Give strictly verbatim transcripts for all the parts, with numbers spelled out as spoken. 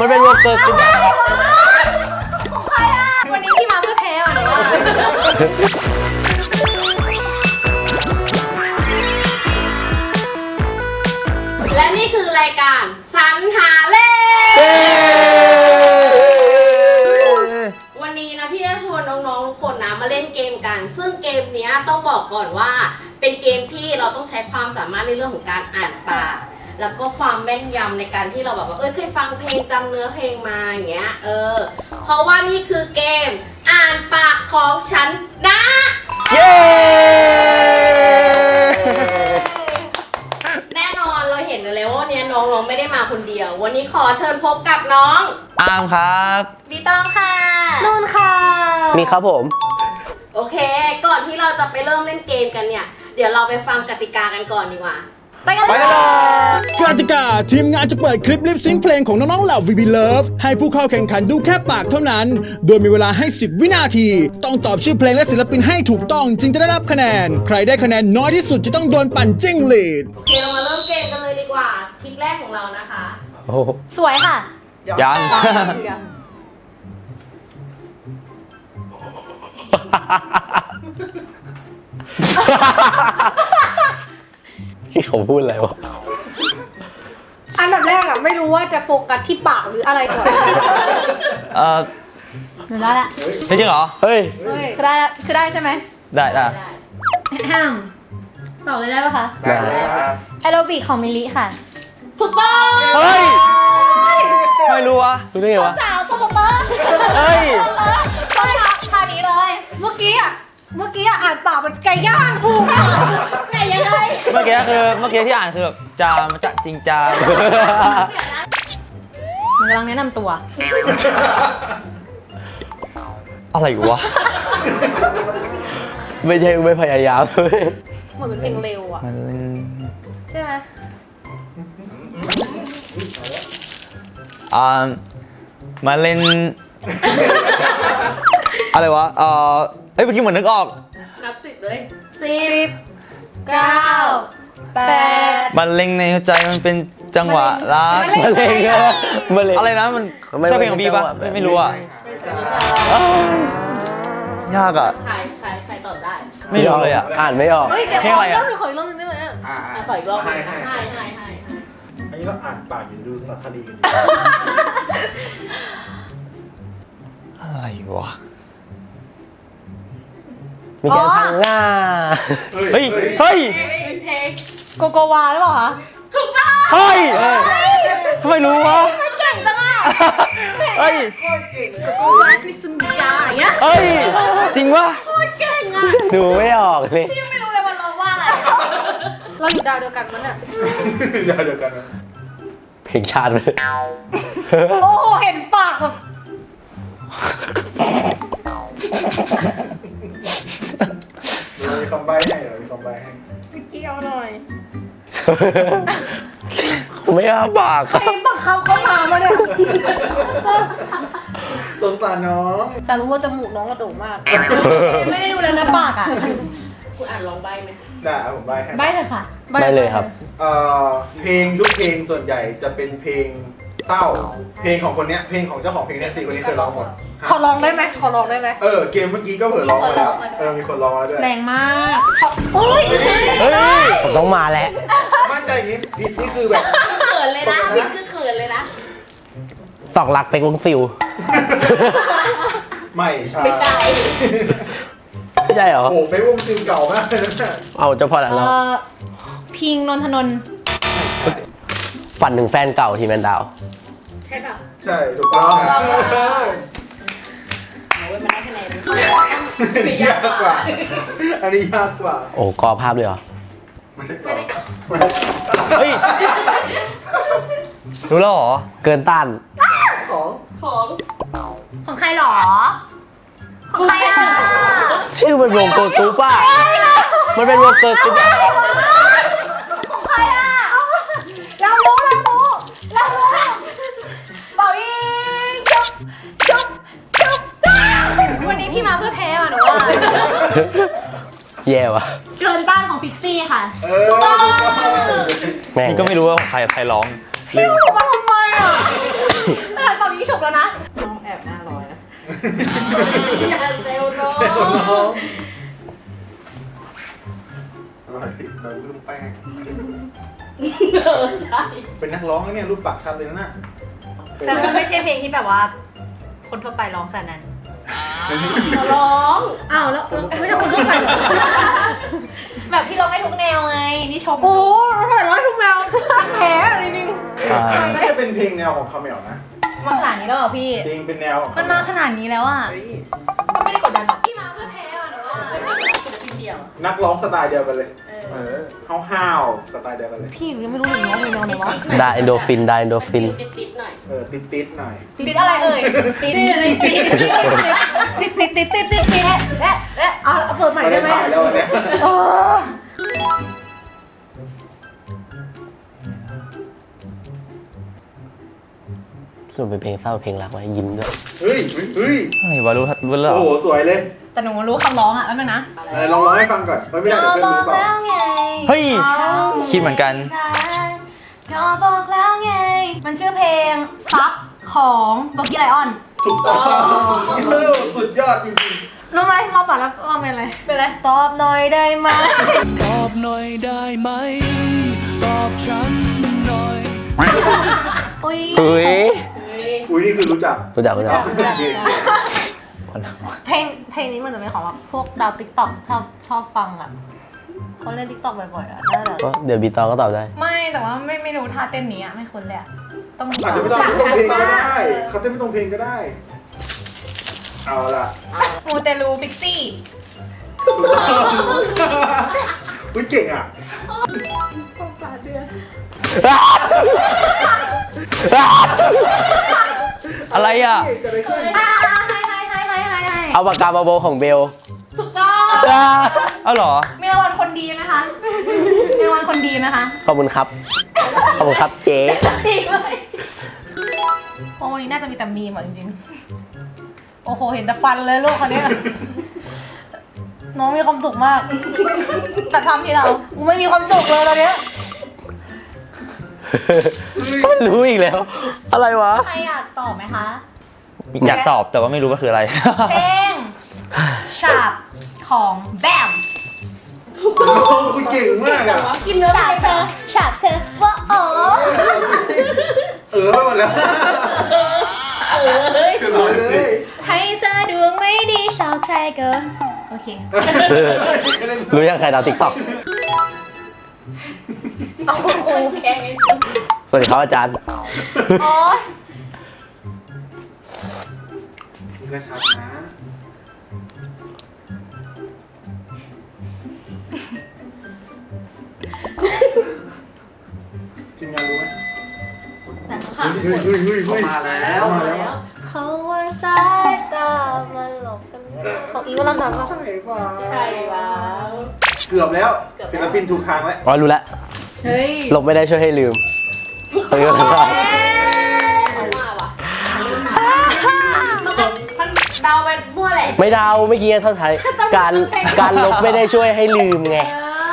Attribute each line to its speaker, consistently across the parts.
Speaker 1: มันเป็นวงเกิร์ลกรุ๊ป
Speaker 2: ของใครอ่ะวันนี้พี่มาเพื่อแพ้อ่ะหนูว่าและนี่คือรายการสรรหาเล่วันนี้นะพี่จะชวนน้องๆทุกคนนะมาเล่นเกมกันซึ่งเกมนี้ต้องบอกก่อนว่าเป็นเกมที่เราต้องใช้ความสามารถในเรื่องของการอ่านปากแล้วก็ความแม่นยำในการที่เราแบบว่าเออเคยฟังเพลงจำเนื้อเพลงมาอย่างเงี้ยเออเพราะว่านี่คือเกมอ่านปากของฉันนะเย้แน่นอนเราเห็นกันแล้วว่าเนี่ยน้องๆไม่ได้มาคนเดียววันนี้ขอเชิญพบกับน้อง
Speaker 1: อามครับ
Speaker 2: พี่ต้องค่ะนุ่นค่ะ
Speaker 1: มีครับผม
Speaker 2: โอเคก่อนที่เราจะไปเริ่มเล่นเกมกันเนี่ยเดี๋ยวเราไปฟังกติกากันก่อนดีกว่าไปกันเลย
Speaker 3: กติกาทีมงานจะเปิดคลิปลิปซิงค์เพลงของน้องๆเหล่า วี บี Love ให้ผู้เข้าแข่งขันดูแค่ปากเท่านั้นโดยมีเวลาให้สิบวินาทีต้องตอบชื่อเพลงและศิลปินให้ถูกต้องจึงจะได้รับคะแนนใครได้คะแนนน้อยที่สุดจะต้องโดนปั่นจิ้งหรีด
Speaker 2: โอเคเรามาเริ่มเกมกันเลยดีกว่าคลิปแรกของเรานะคะ
Speaker 1: โอ้
Speaker 2: สวยค่ะ
Speaker 1: ยังที่เขาพูดอะไรวะ
Speaker 2: อันดับแรกอะไม่รู้ว่าจะโฟกัสที่ปากหรืออะไรก่อน
Speaker 1: เออ
Speaker 2: หนูได้ละ
Speaker 1: จริงเหรอเฮ้ย
Speaker 2: คือได้ละคือได้ใช่ไหม
Speaker 1: ได้ได้
Speaker 2: ห้ามตอบเลยได้ปะคะ
Speaker 1: ได้
Speaker 2: แอโรบิกของมิลลิค่ะถูกต้อง
Speaker 1: เฮ้ยไม่รู้วะรู้ได้ไงวะ
Speaker 2: สาวสมบัติ
Speaker 1: เฮ้ย
Speaker 2: ก็เลยท่านี้เลยเมื่อกี้อะเมื่อกี้อ่านปากมันไก่ย่างครูไก่ยังไง
Speaker 1: เมื่อกี้คือเมื่อกี้ที่อ่านคือแบบจามจะจริงจาม
Speaker 2: มันกำลังแนะนำตัว
Speaker 1: อะไรวะไม่ใช่ไม่พยายามเลย
Speaker 2: เหมือนเป็นเพลงเร็วอ่ะใช่ไหม
Speaker 1: อ่ามาเล่นอะไรวะเออเฮ้ยเมื่อกี้เหมือนนึกออก
Speaker 2: นับสิบเลยสิบเก้าแปด
Speaker 1: มันเล็งในหัวใจมันเป็นจังหวะรัก
Speaker 2: มันเล็ง
Speaker 1: มันเล็งอะไรนะมันใช่เพลงของบีป่ะไม่รู้อ่ะยากอ่ะ
Speaker 2: ใครใครใครตอบได้
Speaker 1: ไม่รู้เลยอ่ะอ่านไม่ออก
Speaker 2: เพลงอะไรอ่ะขออีกรอบนึงได้ไหมอ่าขออีกรอบให้ให้ให้ให้
Speaker 4: อันนี้เราอ่านปากอยู่ดูสารคดีกัน
Speaker 1: อะไรวะ
Speaker 3: มีแค่ทางหน้า
Speaker 1: เฮ้ยเฮ้ย
Speaker 2: โกโกวาหรือเปล่าคะถูกต้อง
Speaker 1: เฮ้ยทำไมรู้วะ
Speaker 2: ไม่เก่งจังอ่ะ
Speaker 1: เฮ้ย
Speaker 2: โกโกวาคริสมิยาอย่างเงี้ย
Speaker 1: เฮ้ยจริงวะ
Speaker 2: โคตรเก่งอ่ะ
Speaker 1: ดูไม่ออกเลย
Speaker 2: พี่ไม่รู้เลยว่าเราว่าอะไรเราอยู่ดาวเดียวกันมั้งเนี่ย
Speaker 4: ดาวเดียวกันนะ
Speaker 1: เพลงชาติเลย
Speaker 2: โอ้โหเห็นปากแบบ
Speaker 4: เรามีคำใบ้ให้เรามีคำใบ้ให้
Speaker 2: พี่เกี่ยวหน่อย
Speaker 1: ไม่อ้าปาก
Speaker 2: ใครบังคับเขามามาเนี่ย
Speaker 4: สงสารน้อง
Speaker 2: แต่รู้ว่าจมูกน้องกระโดดมากไม่ได้ดูแลนะปากอ่ะคุณอ่านลองใบ้ไหม
Speaker 4: ได้ผมใบ้ให้
Speaker 2: ใบ้เลยค่ะ
Speaker 1: ใบ้เลยครับ
Speaker 4: เอ่อเพลงทุกเพลงส่วนใหญ่จะเป็นเพลงเศร้าเพลงของคนเนี้ยเพลงของเจ้าของเพลงเนี่ยสี่คนนี้เคยร้องหมด
Speaker 2: ขอร้องได้ไหมขอร้องได้ไหม
Speaker 4: เออเกมเมื่อกี้ก็เผื่อร้องมาแล้วเออมีคนร้องมาด้วย
Speaker 2: แรงมากเฮ้ย
Speaker 1: เฮ้ยผมต้องมาแล้ว
Speaker 4: มั่นใจอย่างนี้ผิดนี่คือแบบ
Speaker 2: เขินเลยนะผิดคือเขินเลยนะ
Speaker 1: ตอกหลักเป็นวงซิล
Speaker 4: ไม่ใช่
Speaker 2: ไม่ใช่
Speaker 1: ไม่ใช่เหรอ
Speaker 4: โอ้เป็นวงซิลเก่ามากเลยนะ
Speaker 1: เอาเจ้าพ่อแล้วเนาะ
Speaker 2: พิงนนทนนท์
Speaker 1: ฝันถึงแฟนเก่าทีแมนดาว
Speaker 2: ใช่ป่ะ
Speaker 4: ใช่ถูกต้อง
Speaker 2: เอาไว้มันได้คะแนน
Speaker 4: ยากกว่าอันนี้ยากกว่า
Speaker 1: โอ้กอภาพเลยเหรอ
Speaker 4: ไม่ใช่กอ
Speaker 1: เฮ้ยรู้แล้วเหรอเกินต้าน
Speaker 4: ของ
Speaker 2: ของของใครหรอของใครอ่ะ
Speaker 1: ชื่อมันวงเกิร์ลกรุ๊ปป่ะมันเป็นวงเกิร์ลกรุ๊ป
Speaker 2: ของใครอ่ะเรารู้เรารู้เรารู้เป่ายิงจุ๊บจุ๊บจุ๊บวันนี้พี่มาเพื่อแพ้อ่ะหนูว่า
Speaker 1: แย่ว่ะ
Speaker 2: เกินต้านของพิกซี่ค่ะ
Speaker 4: เออ
Speaker 1: แม่งก็ไม่รู้ว่าใครใครร้อง
Speaker 2: พี่รู้มาทำไมอ่ะขนาดเป่
Speaker 5: พี่ฉกแล้วนะ
Speaker 2: น้องแอบหน้าร้อยนะอย่าเซลน้อง
Speaker 4: อร่อยสิเราลูกแป้ง
Speaker 2: เออใช่
Speaker 4: เป็นนักร้องนะเนี่ยรูปปากชัดเลยนะน่ะ
Speaker 5: แต่มันไม่ใช่เพลงที่แบบว่า คนทั่วไปร้องขนาดนั้น
Speaker 2: ร้อง
Speaker 5: อ้าวแล้วไม่ใช่คนทั่วไปเหรอแบบที่ร้องได้ทุกแนวไงนี่ชม
Speaker 2: โอ้ทำไมร้อยทุกแมวแพ้อะไรนี่
Speaker 1: อ่า
Speaker 4: น่าจะเป็นเพลงแนวของคาเมลนะ
Speaker 5: มาขนาดนี้แล้วเหรอพี่
Speaker 4: เพลงเป็นแนวของ
Speaker 5: มันมาขนาดนี้แล้วอ่ะ ก็ไม่ได้กดดันหรอกพี่มาเพื่อแพ้อ่ะหนูว่า
Speaker 2: พี่เดียว
Speaker 4: นักร้องสไตล์เดียวกันเลย
Speaker 2: เอ
Speaker 4: เอ
Speaker 2: อ
Speaker 4: อห้าวๆสไตล์เดียวกันเลย
Speaker 5: พี่ยังไม่รู้เลยน้องเป็นน้องไหนวะ
Speaker 1: ได้เอนโดฟินได้เอนโดฟิน
Speaker 2: ติดๆหน่อย
Speaker 4: เออติดๆหน่อย
Speaker 5: ติดอะไรเอ่ย
Speaker 2: ติดๆติดๆ
Speaker 5: ติดติดติดติดติดติดเอ๊ะเอ๊ะเอาเปิดใหม่
Speaker 4: ไม่
Speaker 5: ได้
Speaker 4: ได้
Speaker 5: ไหม
Speaker 4: ถ่ายแล้ววันเนี่ย
Speaker 5: เออ
Speaker 1: ส่วนเป็นเพลงเศร้าเพลงรักไว้ยิ้มด้วย
Speaker 4: เฮ้ยเฮ้ย
Speaker 6: อะไรวะรู้รู้แล้วเหร
Speaker 4: โอ้
Speaker 6: อ
Speaker 4: โหสวยเลย
Speaker 5: แต่หนูรู้คำร้องอ่ะแป๊บนึงนะ
Speaker 4: ไหนลองร้องให้ฟังก่อนเฮ้ยไม่ได้เดี๋ยวเพื่อนรู้เปล่า
Speaker 6: เฮ้ย คิดเหมือนกัน
Speaker 5: ก็บอกแล้วไง มันชื่อเพลงซับของโบกี้ไลออน
Speaker 4: ถูกต้องเออสุดยอดจริง
Speaker 5: รู้ไหมมาปัดแล้วมาเป็นอะไร เป็นอะไร ตอบหน่อยได้ไหม
Speaker 7: ตอบหน่อยได้ไหม ตอบฉันหน่อย
Speaker 5: อุ้ย
Speaker 1: เฮ้ย
Speaker 4: ๆอุ้ยนี่คือรู้จัก
Speaker 1: รู้จักรู้จัก
Speaker 4: โอเค
Speaker 5: เพลงเพลงนี้มันจะเป็นของแบบพวกดาวติ๊กต็อกชอบชอบฟังอ่ะเขาเล่นติ๊กต็อกบ่อยๆอ่ะน่าจะ
Speaker 1: ก็เดี๋ยวบีตองก็ตอบได้
Speaker 5: ไม่แต่ว่าไม่ไม่รู้ท่าเต้นนี้อ่ะไม่คุ้นเลยอ่ะต้อง
Speaker 4: อาจจะไม่ต้องตรงเพลงก็ได้เขาเต้นไม่ตรงเพลงก็ได้ เอาล่ะ
Speaker 5: มูเตลูพิกซี่
Speaker 4: อุ้ยเก่งอ่ะ
Speaker 6: อะไรอ่ะ
Speaker 4: เก่งกันเลยขึ้น
Speaker 5: อ่าให้ให้ให้ให้ให้ให้
Speaker 1: เอาปากกามาโบของเบล
Speaker 5: ถูกต้อง
Speaker 1: อ่า
Speaker 6: เอาเหรอ
Speaker 5: มีรางวัลคนดีไหมคะมีรางวัลคนดีไหมคะ
Speaker 1: ขอบคุณครับ ขอบคุณครับเจ๊
Speaker 5: ดีเลยโอ้วันนี้น่าจะมีแต่มีมอ่ะจริงๆโอ้โหเห็นแต่ฟันเลยลูกคนเนี้ยน้องมีความสุขมากแต่ทำที่เรากูไม่มีความสุขเลยตอนเนี้ย
Speaker 1: รู้อีกแล้ว อะไรวะ
Speaker 5: ใครอยากตอบไหมคะ
Speaker 6: อยากตอบแต่ว่าไม่รู้ว่าคืออะไร
Speaker 5: เพลงฉาบของแบม
Speaker 4: โอ้คุณเก่งมากอ่ะ
Speaker 5: กินเนื้อฉาบเธอฉาบเธอว่าโอ้
Speaker 4: เออไปหมดแล้ว
Speaker 2: เออเฮ้ย
Speaker 4: คือเลยเลย
Speaker 5: ให้เธอดวงไม่ดีชอบใครเกินโอเค
Speaker 1: รู้ยังใครดาวติ๊กต็อก
Speaker 5: โอ้โห
Speaker 2: แกงไอ้สุด
Speaker 1: สวัสดีครับอาจารย์
Speaker 5: โอ้ย
Speaker 4: นี่ก็ชัดนะทีมงานรู้ไหม
Speaker 5: แต่เขา
Speaker 4: เฮ้ยเฮ้ยเฮ้ยเฮ้ยมาแล้วมาแล้ว
Speaker 5: เขาว่าสายตามันหลอกกันไม่ได้ของอีกวันละหนัง
Speaker 4: ใช่ป่ะ
Speaker 2: ใช่แล้ว
Speaker 4: เกือบแล้วศิลปินถูกทางแล้ว
Speaker 1: อ๋อรู้แล้ว
Speaker 5: เฮ้ย
Speaker 1: หลบไม่ได้ช่วยให้ลืมเฮ้ย
Speaker 2: เขามาว่ะมันเดาไปมั่วแหละ
Speaker 1: ไม่เดาเมื่อกี้ท่อนท้ายการการลบไม่ได้ช่วยให้ลืมไง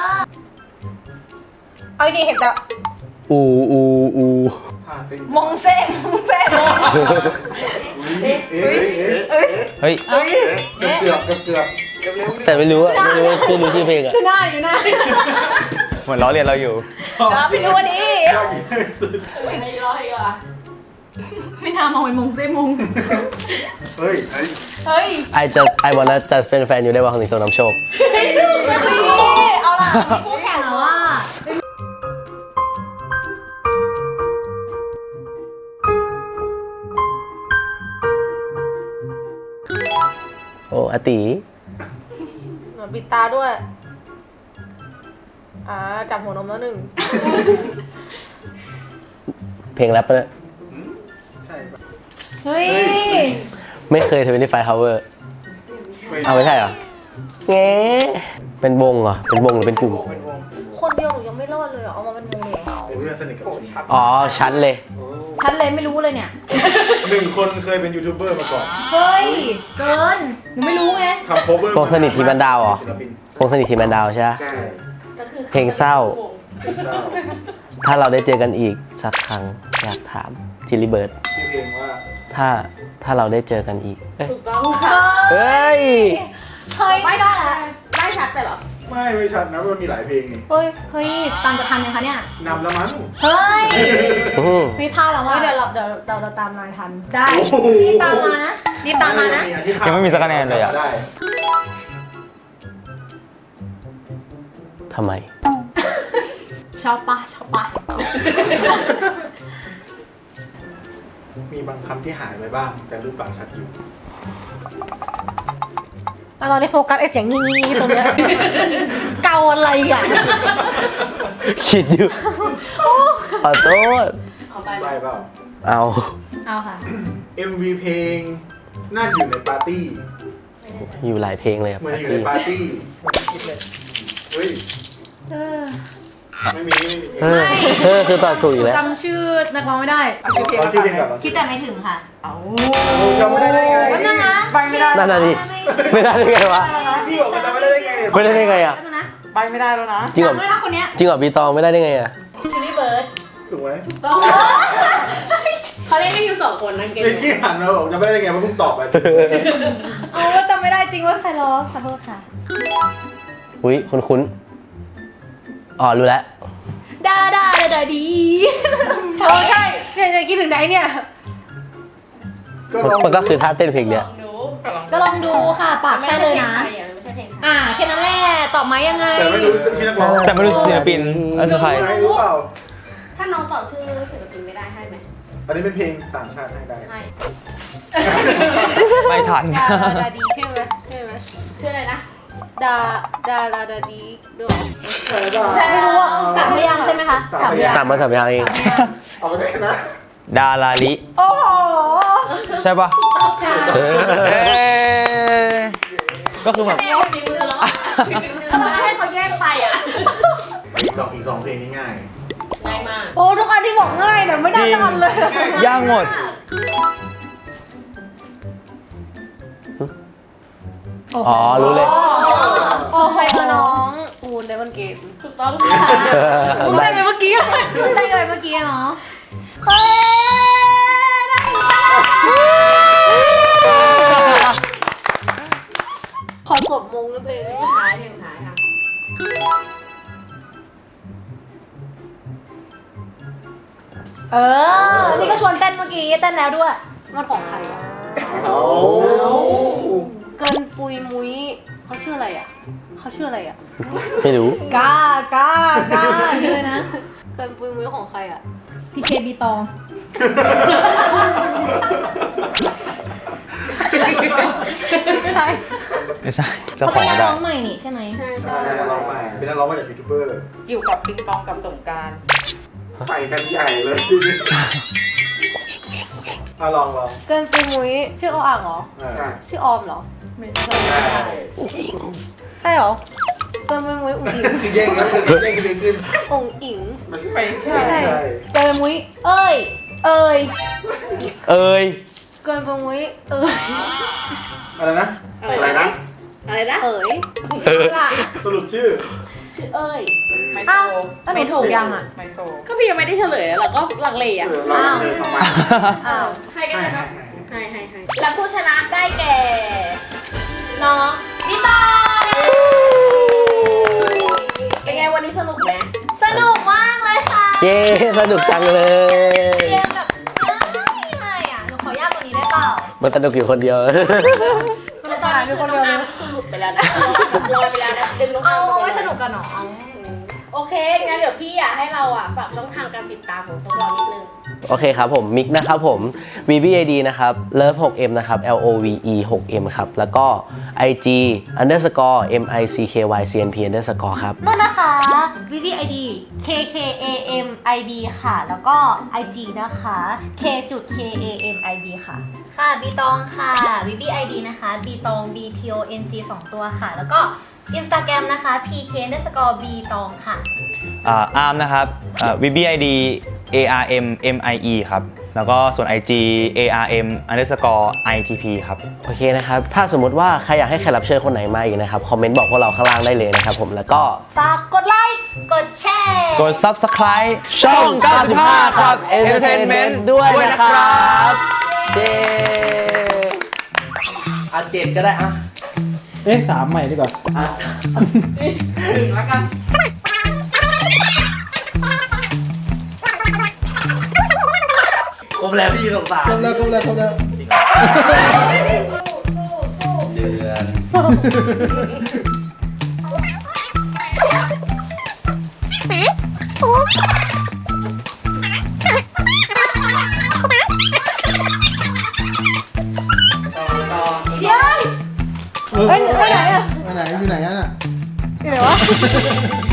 Speaker 5: เอาจริงๆเห็นแต่
Speaker 1: อูอูอู
Speaker 4: ผ่านไป
Speaker 5: มงเซ่มงเซ่
Speaker 4: เอ๊ะเอ๊ะเอ๊ะ
Speaker 6: เฮ้ย
Speaker 5: เฮ้ย
Speaker 4: เกือบเกือบเกือบเกือบเร็ว
Speaker 1: แต่ไม่รู้อะไม่รู้ไม่รู้ชื่อเพลงอะ
Speaker 5: ดูหน้าอยู่หน้า
Speaker 6: เหมือนล้อเลียนเราอยู่
Speaker 5: แล้วพี่รู้วันนี้
Speaker 4: ยอดเยี่ยมสุด
Speaker 2: ให้ย่อให้ย่อ
Speaker 5: ไม่น่ามองเป็นมงเซ่มง
Speaker 4: เฮ้ยเฮ้ย
Speaker 5: เฮ้ย
Speaker 1: ไอจะไอวันนั้นจะเป็นแฟนอยู่ได้ว่าของสิงโตนำโชค
Speaker 5: เอาล่ะคู่แข่งแล้วว่า
Speaker 1: โอ้อาติ
Speaker 5: เหมือนปิดตาด้วย อ่าจับหัวนมแล้วหนึ่ง
Speaker 1: เพลงแรปปะเนี่ย
Speaker 4: ใช่ปะ
Speaker 5: เฮ้ย
Speaker 1: ไม่เคยทวินตี้ไฟฮาวเวอร์เอาไม่ใช่เหรอเงี้เป็นวงเหรอเป็นวงหรือเป็นกลุ่ม
Speaker 4: เป็นวง
Speaker 5: คนเดียวหนูยังไม่รอดเลยเหรอเอามาเป็นวงเลยเหรอ
Speaker 4: เป็นเพื่อนสนิทกับผม
Speaker 1: อ๋อชั้นเลย
Speaker 5: ฉันเลยไม่รู้เลยเนี่ย
Speaker 4: หนึ่งคนเคยเป็นยูทูบเบอร์มาก่อน
Speaker 5: เฮ้ย เกิน หนูไม่รู้ไง
Speaker 4: ทำโคเวอร์
Speaker 1: วงสนิททีมแมนดาวเหรอ
Speaker 4: ศิลปิน
Speaker 1: วงสนิททีมแมนดาวใช่ไหม
Speaker 4: ใช่
Speaker 2: ก็คือ
Speaker 1: เพลงเศร้า
Speaker 4: เป็นเจ้า
Speaker 1: ถ้าเราได้เจอกันอีกสักครั้งอยากถามทิลลี่เบิร์ด
Speaker 4: ชื่อเพลงว่า
Speaker 1: ถ้าถ้าเราได้เจอกันอีกเอ้ย
Speaker 2: ถูกต้องค่ะ
Speaker 1: เฮ้ย
Speaker 5: เฮ้ย
Speaker 2: ไม่
Speaker 5: ไม่
Speaker 2: ได้
Speaker 5: ได้
Speaker 2: ละ
Speaker 5: ละ
Speaker 2: ได้ชัดไปเหรอ
Speaker 4: ไม่ไม่ชัดนะมันมีหลายเพลงนี่
Speaker 5: เฮ้ย เฮ้ย ตามจะทันยังคะเนี่ย
Speaker 4: นำแล้วมั้ง
Speaker 5: เฮ้ย
Speaker 1: อืม
Speaker 5: พี่พลาดแล้วว่าเดี๋ยวเราเดี๋ยวเราเราตามนายทัน ได้
Speaker 4: โอ้โห
Speaker 5: รีบตามมานะรีบตามมานะ
Speaker 6: ยังไม่มีสักคะแนนเลยอะ
Speaker 4: ได้
Speaker 1: ทำไม
Speaker 5: ชอบปะชอบปะ
Speaker 4: มีบางคำที่หายไปบ้าง แต่รูปปากชัดอยู่
Speaker 5: แล้วเราได้โฟกัสไอ้เสียงงี้ๆตรงเนี้ย เกาอะไรอ่ะ
Speaker 1: คิดอยู่ ขอโทษ
Speaker 2: เอาไป
Speaker 4: ได้เปล่า
Speaker 1: เอา
Speaker 5: เอาค่ะ
Speaker 4: เอ็ม วี เพลงน่าอยู่ในปาร์ตี้
Speaker 1: อยู่หลายเพลงเลยครับ
Speaker 4: เหมือนอยู่ในปาร์ตี้เฮ้ย
Speaker 5: เออ
Speaker 4: ไม่มีไม่มี
Speaker 1: เออเออคือตอบถูกอีกแล้ว
Speaker 5: จำชื่อนักร้องไม่ได้
Speaker 4: เอาชื่อเพลงก่อน
Speaker 5: คิดแต่ไม่ถึงค่ะ
Speaker 4: จำไม่ได้ได้ไง
Speaker 5: วันนั้นนะ
Speaker 4: ไปไม่ได้
Speaker 1: นั่นน่ะดิไม่ได้ได้ไงวะ
Speaker 4: พี่บอกว่าจำไม่ได้ได้ไง
Speaker 1: ไม่ได้ได้ไงอ่ะ
Speaker 5: วันนั้นนะ
Speaker 4: ไปไม่ได้แล้วนะ
Speaker 1: จริงเหรอ
Speaker 5: จำไม่ได้คนเนี้ย
Speaker 1: จริงเหรอพี่ตองไม่ได้ได้ไงอ่ะ
Speaker 2: ทิลลี่เบิร์ด
Speaker 4: ถูกไหม
Speaker 2: ต้องเขาเล่นกันอยู่สองคนนะเกม
Speaker 4: เมื่อกี้หันมาบอกจำไม่ได้ได้ไงเพราะเพิ่งตอบไป
Speaker 5: เอาว่าจำไม่ได้จริงว่าใครร้องขอโทษค่ะ
Speaker 1: อุ้ยคุ้นๆอ๋อรู้แล้ว
Speaker 5: ดาดาดาดาดีเออใช่เนี่ยเนี่ยคิดถึงไหนเนี่ย
Speaker 4: ก็
Speaker 1: มัน
Speaker 4: ลอง
Speaker 1: มันก็คือท่าเต้นเพลงเนี้ย
Speaker 2: ลองดู
Speaker 5: ก็ลองดูค่ะ ปากใช่เลยนะ
Speaker 2: ไม่ใช่เพลงไทย
Speaker 5: อ่าแค่นั้นแหละตอบมายังไง
Speaker 4: แต่ไม่รู้ชื่อนักร้อง
Speaker 6: แต่ไม่รู้ศิลปินนั่นคือใคร
Speaker 4: ไม่รู้เปล่า
Speaker 2: ถ้าน้องตอบชื่อศิลปินไม่ได้ให้ไหม
Speaker 4: อันนี้เป็นเพลงต่างชาติให้ได้
Speaker 2: ให้
Speaker 6: ไม่ทัน
Speaker 5: ดาดาดาดีใช่ไหมใช่ไหม
Speaker 2: ชื่ออะไรนะ
Speaker 5: ดาดาดาดาดีด้วย
Speaker 4: เออได้
Speaker 5: ใช่ไม่รู้ว่าสามพยางค์ใช่ไหมคะ
Speaker 4: สามพยางค์
Speaker 1: สามมาสามพยางค์เอง
Speaker 4: เอาไปได้นะ
Speaker 6: ดาราลิ
Speaker 5: โอ้โห
Speaker 6: ใช่ปะ
Speaker 5: ใช่
Speaker 1: เออ
Speaker 6: เอ๊ะก็คือแบบ
Speaker 2: แม่คนนี้มือแล้วอ่ะเราให้เขาแยกไปอ่ะ
Speaker 4: อีกสองอีกสองเพลงนี้ง่าย
Speaker 2: ง่ายมาก
Speaker 5: โอ้ทุกอันที่บอกง่ายแต่ไม่ได้ทันเลย
Speaker 6: ย่างหมด
Speaker 1: อ๋อรู้เลย
Speaker 5: โอ้ใครมาน้องอูนได้บนเกม
Speaker 2: ถูกต้องค่ะ
Speaker 5: อูนได้ไงเมื่อกี้อูนได้ไงเมื่อกี้เนาะเฮ้ยได้ขอกดมงแล้วเลย
Speaker 2: เพลงท้ายเพลงท้ายค่ะ
Speaker 5: เออ นี่ก็ชวนเต้นเมื่อกี้เต้นแล้วด้วย มันของใครอะ
Speaker 4: เอา
Speaker 5: เกินปุยมุ้ยเขาชื่ออะไรอ่ะเขาชื่ออะไรอ่ะ
Speaker 1: ไม่รู้
Speaker 5: กล้ากล้ากล้าเลยนะ เกินปุยมุ้ยของใครอ่ะ พีเคบีตอง ใช่
Speaker 6: ไม่ใช่เจ้า
Speaker 5: เขา
Speaker 6: ข
Speaker 5: เป็
Speaker 6: อน ง
Speaker 5: นัก
Speaker 6: ไม่ได้
Speaker 5: ร้องใหม่นี่ใช่ไหม
Speaker 2: ใช่
Speaker 4: ใช่
Speaker 2: ใช่
Speaker 4: นักร้องใหม่เป็นนักร้องมาจากยูทูบเบอร์
Speaker 8: อยู่กับปิงปองกับสงกราร
Speaker 4: ไปกันใหญ่เลยเอาลองลอง
Speaker 5: เกินปุยมุ้ยชื่อออ่างเหรอ
Speaker 4: อ่า
Speaker 5: ชื่อออมเหรอ ไม่ใช่
Speaker 4: ใช่
Speaker 5: ใช่เหรอ เกินปุยมุ้ยอุ๋งอิง
Speaker 4: คือแย่งกันแย่งกันเลยขึ้น
Speaker 5: อุ๋งอิง
Speaker 8: ไม่ใช่
Speaker 5: ไม่ใช่
Speaker 4: ใช่
Speaker 5: เกินปุยมุ้ยเอ้ย เอ้ย
Speaker 1: เอ้ย
Speaker 5: เกินปุยมุ้ยเอ้ย
Speaker 4: อะไรนะอะไรนะ
Speaker 2: อะไรนะ
Speaker 5: เอ้ย
Speaker 1: เออ
Speaker 4: สรุปชื่อ
Speaker 2: ชื่อเอ้ย
Speaker 8: ไม่โต
Speaker 5: อ้าวแล้วหนูถูกยังอ่ะ
Speaker 8: ไม่โต
Speaker 2: ก็พี่ยังไม่ได้เฉลยเราก็ลังเลอ่ะ
Speaker 4: เราเลยทำไม
Speaker 5: อ้าว
Speaker 2: ให้กันเลยเนาะให้ให้ให้และผู้ชนะได้แก่ น้องนิตาเป็นไงวันนี้สนุกไหม
Speaker 5: สนุกมากเลยค่ะ
Speaker 1: เย้สนุกจังเลย
Speaker 5: เกมแบบง่ายๆอ่ะ หนูขอยากกว่านี้ได้เปล่า
Speaker 1: มันสนุกอยู่คนเดียว
Speaker 2: แล้วตอนนี้คือน้องน้ำคือหลุดไปแล้วนะลอยไปแล้วนะดึงน้อง
Speaker 5: เอา
Speaker 2: น้ำ
Speaker 5: ไว้สนุกกันหนอ
Speaker 2: โอเคงั้นเดี๋ยวพี่อยากให้เราอ่ะฝากช่องทางการติดตามของพวกเรานิดนึง
Speaker 1: โอเคครับผมมิกนะครับผม วี บี ไอ ดี นะครับ เลิฟ หก เอ็ม นะครับ แอล โอ วี อี หก เอ็ม ครับ แล้วก็ ไอ จี underscore m i c k y c n p underscore ครับ
Speaker 5: นั่นนะคะ วี วี ไอ ดี เค เค เอ เอ็ม ไอ บี ค่ะ แล้วก็ ไอ จี นะคะ เค เค เอ เอ็ม ไอ บี ค่ะ ค่ะ บีตองค่ะ วี วี ไอ ดี นะคะ บีตอง B T O N G สองตัวค่ะ แล้วก็ Instagram นะคะ พี เค underscore B ตองค่ะ
Speaker 6: อ่าอาร์มนะครับอ่า วี บี ไอ ดี เอ อาร์ เอ็ม เอ็ม ไอ อี ครับแล้วก็ส่วน ไอ จี เอ อาร์ เอ็ม underscore ไอ ที พี ครับ
Speaker 1: โอเคนะครับ ถ้าสมมติว่าใครอยากให้แขกรับเชิญคนไหนมาอีกนะครับ คอมเมนต์บอกพวกเราข้างล่างได้เลยนะครับผม แล้วก็
Speaker 5: ฝากกดไลค์ กดแชร์
Speaker 6: กด subscribe ช่อง เก้าสิบห้า ครับ Entertainment
Speaker 1: ด้วย
Speaker 6: ด้วย
Speaker 1: นะ
Speaker 6: นะ
Speaker 1: ค
Speaker 6: ค
Speaker 1: รั
Speaker 6: รับ บ
Speaker 1: เย้อ่ะเจ็ดก็ได้อ่ะ
Speaker 3: เอ๊ะสามใหม่ดีกว่า
Speaker 8: หนึ่งแล้วกัน
Speaker 1: ครบแล้วพี่สงสาร
Speaker 3: ครบแล้วครบแล้วครบแล้ว
Speaker 1: เดือน
Speaker 3: เฮ้ยไปไหนอะไปไหนอยู่ไหนอะน่ะ
Speaker 5: อยู่ไหนวะ